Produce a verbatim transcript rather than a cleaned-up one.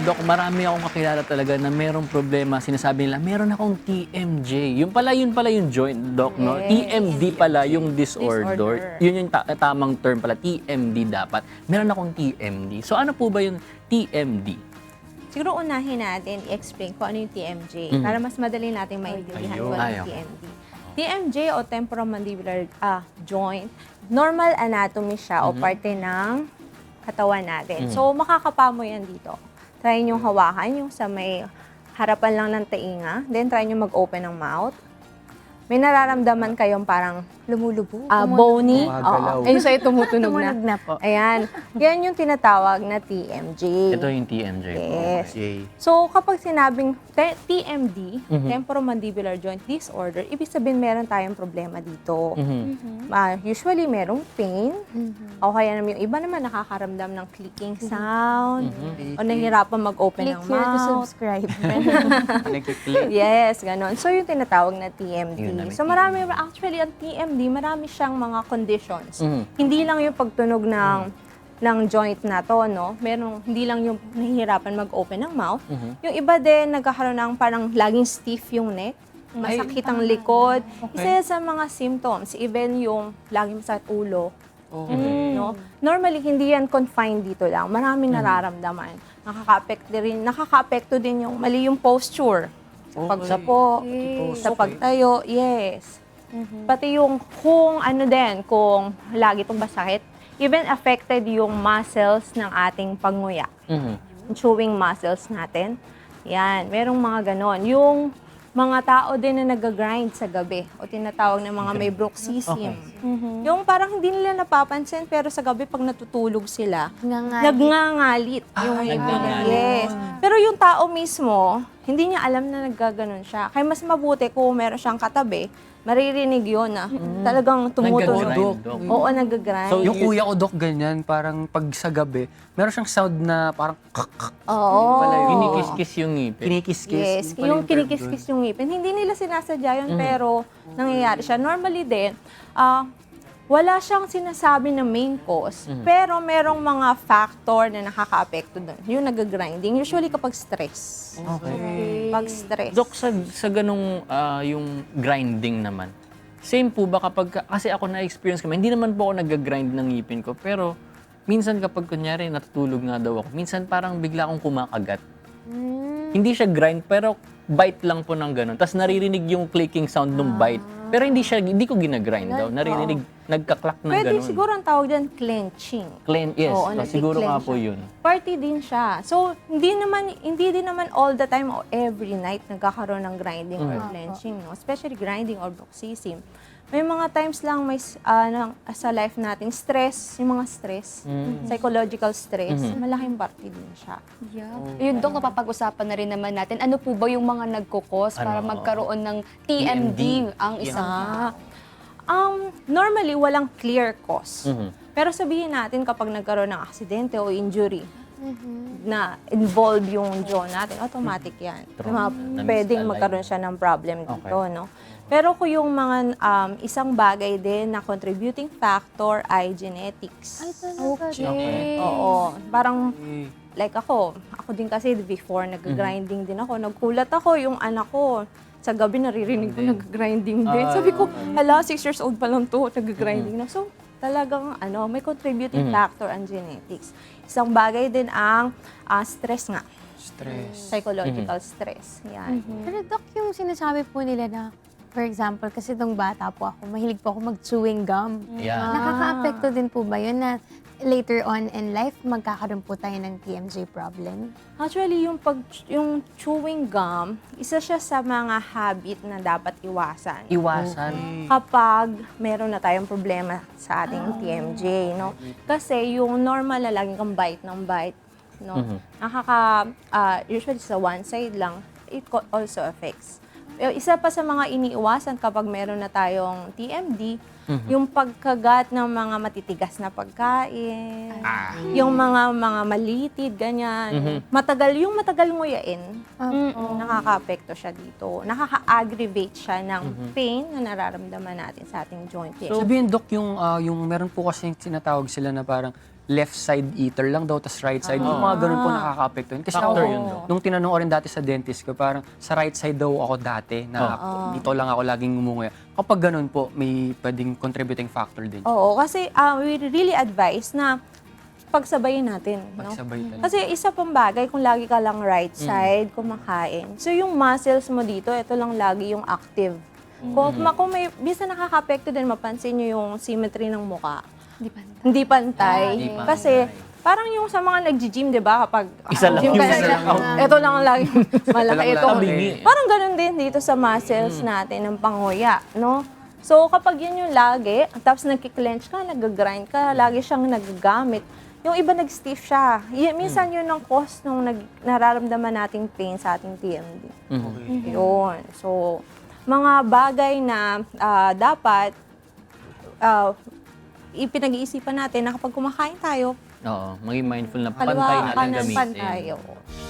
Doc, marami akong kakilala talaga na merong problema. Sinasabi nila, meron akong T M J. Yung pala, yun pala yung joint, Doc, no? Yes. T M D pala yung disorder. Disorder. Yun yung ta- tamang term pala, T M D dapat. Meron akong T M D. So ano po ba yung T M D? Siguro unahin natin i-explain kung ano yung T M J Mhm. para mas madali natin maintindihan Ayun. kung ano Ay, yung okay. T M D. T M J o temporomandibular ah, joint, normal anatomy siya o parte ng katawan natin. Mhm. So makakapa mo yan dito. Try nyo hawakan yung sa may harapan lang ng tainga. Then try nyo mag-open ng mouth. May nararamdaman kayong parang Lumulubog. ah, bony. Gumagalaw. Oo. Ayun sa'yo tumutunog na. Tumunog na po. Ayan. Yan yung tinatawag na T M J. Ito yung T M J po. Yes. Okay. So, kapag sinabing te- T M D, Mhm. temporomandibular joint disorder, ibig sabihin meron tayong problema dito. Mhm. Ah, usually, merong pain. Mhm. O kaya naman yung iba naman nakakaramdam ng clicking sound. Mhm. O nahihirapan mag-open Click ng here to mouth. subscribe. Nagkiklik. Yes, ganon. So, yung tinatawag na T M D. Yun na, may So, marami, actually, ang T M D, marami siyang mga conditions. Mhm. Hindi lang yung pagtunog ng ng joint na to, no? Meron, hindi lang yung nahihirapan mag-open ng mouth. Mhm. Yung iba din, nagkakaroon ng parang laging stiff yung neck, masakit ang likod. Isa yan sa mga symptoms, even yung laging masakit ulo. Okay. No? Normally, hindi yan confined dito lang. Maraming nararamdaman. Nakaka-apekto din, nakaka-apekto din yung mali yung posture. Sa pagsapo, sa pagtayo, yes. Pati yung kung ano din, kung lagi itong masakit, even affected yung muscles ng ating panguya. Mhm. Yung chewing muscles natin. Yan, merong mga ganon. Yung mga tao din na nag-grind sa gabi o tinatawag ng mga may bruxism. Yung parang hindi nila napapansin pero sa gabi pag natutulog sila, Nangangalit. nagngangalit. Yung Ay, ngipin nila. nagngangalit. Yes. Pero yung tao mismo, hindi niya alam na naggaganon siya. Kaya mas mabuti kung meron siyang katabi, maririnig yun na talagang tumutunog. Nagga-grind, Doc. Oo, nag-grind. So, yung kuya ko, Dok, ganyan, parang pag sa gabi, meron siyang sound na parang kak, kak, Oo. pala yun. Kinikis-kis yung ngipin. kinikis-kis. Yes, Yun pala yung term kinikis-kis yung ngipin. Hindi nila sinasadya yun, Mhm. pero nangyayari siya. Normally din, ah, wala siyang sinasabi na main cause, Mhm. pero merong mga factor na nakaka-apekto doon. Yung nag-grinding, usually kapag stress. Okay. Pag stress. Dok, sa, sa ganung ah, yung grinding naman, same po ba kapag, kasi ako na-experience ko, hindi naman po ako nag-grind ng ngipin ko, pero minsan kapag kunyari natutulog nga daw ako, minsan parang bigla akong kumakagat. Hindi siya grind, pero bite lang po ng ganun. Tapos naririnig yung clicking sound ng bite. Pero hindi siya, hindi ko ginagrind daw. Naririnig, nagkaklak ng Pwede ganun. siguro ang tawag dyan, clenching. Clean, yes. Oo, So, siguro nga nagki-clench po siya. yun. Party din siya. So, hindi naman hindi din naman all the time o every night nagkakaroon ng grinding or Mhm. clenching, no? Especially grinding or bruxism. May mga times lang may ah, na- sa life natin stress, yung mga stress, Mm. psychological stress, Mhm. malaking parte din siya. Yeah. Yun, Dok, napapag-usapan na rin naman natin. Ano po ba yung mga nagkukos para Ano? magkaroon ng T M D ang isang Ah, um, normally walang clear cause. Mhm. Pero sabihin natin kapag nagkaroon ng aksidente o injury, na involve yung jaw natin, automatic yan. True. Na Na-misalign. pwedeng magkaroon siya ng problem dito, Okay. no? Pero kung yung mga um, isang bagay din na contributing factor ay genetics. Ay, talaga Okay. din. Oo. Parang, like ako, ako din kasi before nag-grinding din ako, nagkulat ako yung anak ko. Sa gabi naririnig ko nag-grinding din. Ah. Sabi ko, hala, six years old pa lang to, nag-grinding na. So, talagang ano, may contributing Mhm. factor ang genetics. Isang bagay din ang ah, stress nga, Stress. psychological stress. Yan. Pero Dok, yung sinasabi po nila na, for example, kasi nung bata po ako, mahilig po ako mag-chewing gum. Yeah. Nakaka-apekto din po ba yun na later on in life, magkakaroon po tayo ng T M J problem? Actually, yung, pag, yung chewing gum, isa siya sa mga habit na dapat iwasan. Iwasan. Kapag meron na tayong problema sa ating T M J, no? Kasi yung normal na laging kang bite ng bite, no? Mhm. Nakaka, ah, usually sa one side lang, it co- also affects. Yung isa pa sa mga iniiwasan kapag meron na tayong T M D, yung pagkagat ng mga matitigas na pagkain, yung mga mga malitid, ganyan. Matagal, yung matagal nguyain, mm, nakaka-apekto siya dito. Nakaka-aggravate siya ng pain na nararamdaman natin sa ating joint. Sabihin, Dok, yung, ah, yung meron po kasi tinatawag sila na parang left side eater lang daw, tas right side. Yung mga ganun po nakaka-apekto yun. Kasi Factor ako, yun daw. nung tinanong ko rin dati sa dentist ko, parang sa right side daw ako dati, na dito lang ako laging ngumunguya. Kapag ganun po, may pwedeng contributing factor din. Oo, kasi ah, we really advise na pagsabayin natin. No? Pagsabay talaga. Kasi isa pang bagay kung lagi ka lang right side kumakain. So yung muscles mo dito, ito lang lagi yung active. Kung, ma- kung may, bisa nakaka-apekto din, mapansin nyo yung symmetry ng muka. Hindi pa. Hindi pantay. Hindi pantay. Kasi parang yung sa mga nag-gym, di ba? Kapag Isa lang gym yung ka isa na- lang out. Ito lang ang lagi malaki. Walang Ito. tabingi. Parang ganun din dito sa muscles natin ng panguya, no? So kapag yun yung lagi, tapos nagki-clench ka, nag-grind ka, lagi siyang nagagamit. Yung iba nag-stiff siya. Y- minsan yun ang cause nung nag- nararamdaman nating pain sa ating T M D. Yun. So, mga bagay na ah, dapat ah, ipinag-iisipan natin na kapag kumakain tayo, Oo, maging mindful na pantay kaliwa natin kanan gamitin. pantay. oo.